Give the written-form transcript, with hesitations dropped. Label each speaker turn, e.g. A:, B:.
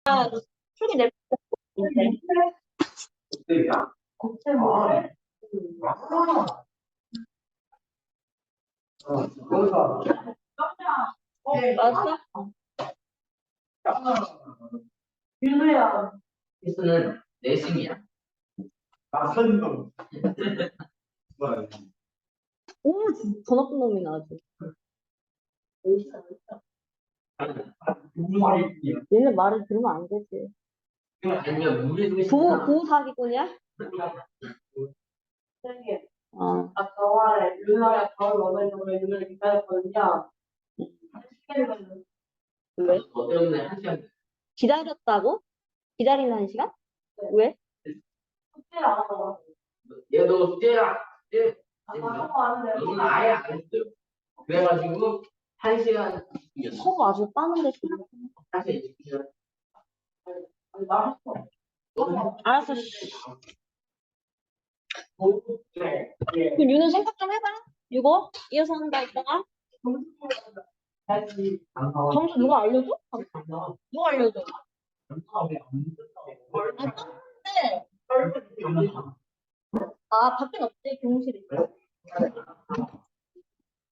A: 풀기 낼 맞았어? 윤우야.
B: 필수는 내심이야.
A: 오, 진짜 더 나쁜 놈이네, 아주. 얘네 말을 들으면 안 되지.
B: 아니면 물에
A: 부부 사기꾼이야? 어.
C: 아까 말에 윤아야 가을 원하는 눈을 기다렸거든요.
A: 왜?
B: 너 때문에 한 시간
A: 기다렸다고? 기다리는 한 시간? 왜?
C: 숙제를 안 하고
B: 얘도 숙제야.
C: 아까 하고 왔는데
B: 너는 아예 안 했어요. 그래가지고 한 시간 이겼어.
A: 서로 아주 빠는데 싫어.
B: 사실 이제
C: 아니 말했어.
A: 알았어. 씨. 그럼 윤은 생각 좀 해봐. 이거 이어서 한다 이따가. 점수 누가 알려줘? 누가 알려줘? 아, 떴는데. 아, 밖에 없지, 교무실에 있어.